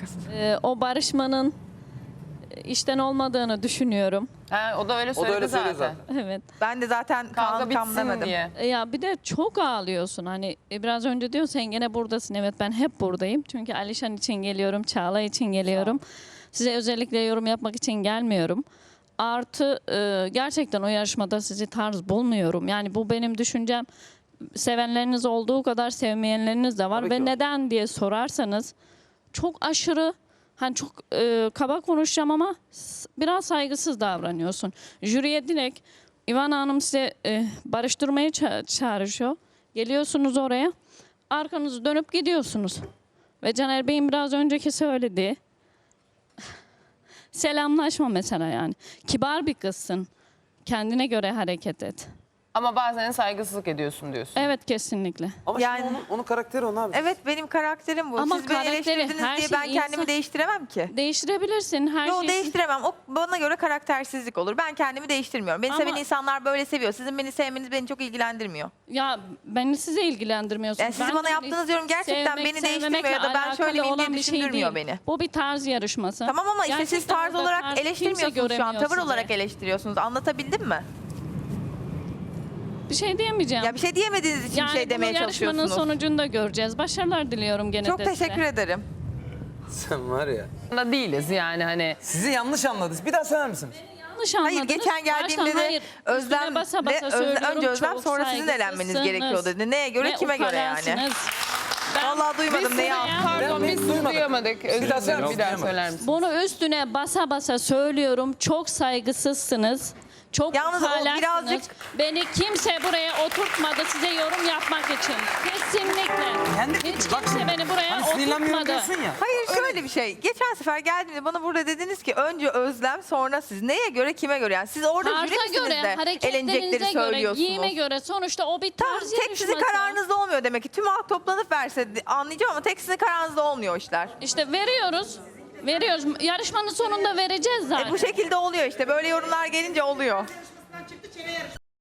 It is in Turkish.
O barışmanın işten olmadığını düşünüyorum. Ha, o da öyle O da söyledi öyle söylüyor zaten. zaten. Evet. Ben de zaten Kavga kan bitsin demedim. diye. Ya bir de çok ağlıyorsun. Hani biraz önce diyorsun sen gene buradasın. Evet, ben hep buradayım. Çünkü Alişan için geliyorum, Çağla için geliyorum. Size özellikle yorum yapmak için gelmiyorum. Artı gerçekten o yarışmada sizi tarz bulmuyorum. Yani bu benim düşüncem. Sevenleriniz olduğu kadar sevmeyenleriniz de var. Tabii Ve ki var. neden diye sorarsanız çok aşırı, hani çok kaba konuşacağım ama biraz saygısız davranıyorsun. Jüriye direkt İvan Hanım size barıştırmaya çağrışıyor. Geliyorsunuz oraya, arkanızı dönüp gidiyorsunuz. Ve Caner Bey'in biraz önceki söylediği selamlaşma mesela yani. Kibar bir kızsın. Kendine göre hareket et. Ama bazen saygısızlık ediyorsun diyorsun. Evet, kesinlikle. Ama Yani- şimdi onun karakteri o abi. Evet, benim karakterim bu. Ama Siz beni karakteri, eleştirdiniz her diye şey ben kendimi insan- değiştiremem ki. Değiştirebilirsin her Yok, şeyi. değiştiremem. O bana göre karaktersizlik olur. Ben kendimi değiştirmiyorum. Beni Ama- seven insanlar böyle seviyor. Sizin beni sevmeniz beni çok ilgilendirmiyor. Ya beni size ilgilendirmiyorsunuz. Yani siz bana yaptığınız yorum gerçekten beni değiştirmiyor ya da ben şöyle miyim diye düşündürmüyor beni. Bu bir tarz yarışması. Tamam ama işte siz Gerçekten tarz burada olarak kimse eleştirmiyorsunuz şu an. göremiyor Tavır sizi. olarak eleştiriyorsunuz. Anlatabildim mi? Bir şey diyemeyeceğim. Ya bir şey diyemediğiniz için bir şey demeye bunu yarışmanın çalışıyorsunuz. sonucunda göreceğiz. Başarılar diliyorum gene Çok de size. teşekkür ederim. Sen var ya. Da değiliz yani hani. Sizi yanlış anladınız. Bir daha söyler misiniz? Yanlış Hayır, anladınız. geçen geldiğimde Baştan de hayır. Özlem Üstüne basa ve basa söylüyorum, önce Özlem çok sonra sizin elenmeniz saygısızsınız. gerekiyor dedi. Neye göre, Ve kime göre yani? ukalasınız. Vallahi duymadım neyi buraya- anlattın. Pardon Ben biz sizi duymadım. duyamadık. Özür Bir daha dilerim. söyler Bir daha misin? söyler misin? Bunu üstüne basa basa söylüyorum. Çok saygısızsınız. Çok Yalnız o ukalaksınız. birazcık- Beni kimse buraya oturtmadı size yorum yapmak için. Kesinlikle. Hiç kimse beni buraya Hani sinirlenmiyorum oturtmadı. diyorsun ya. Hayır, şöyle bir şey. Geçen sefer geldiğimde bana burada dediniz ki önce Özlem sonra siz. Neye göre, kime göre? Yani siz orada jüri Tarza misiniz göre, de elenecekleri hareketlerinize göre, söylüyorsunuz. giyime göre sonuçta o bir Tamam, tarz tek sizin yarışması. kararınızda olmuyor demek ki. Tüm halk toplanıp verse anlayacağım ama tek sizin kararınızda olmuyor işler. İşte veriyoruz. Veriyoruz. Yarışmanın sonunda vereceğiz zaten. Bu şekilde oluyor işte. Böyle yorumlar gelince oluyor.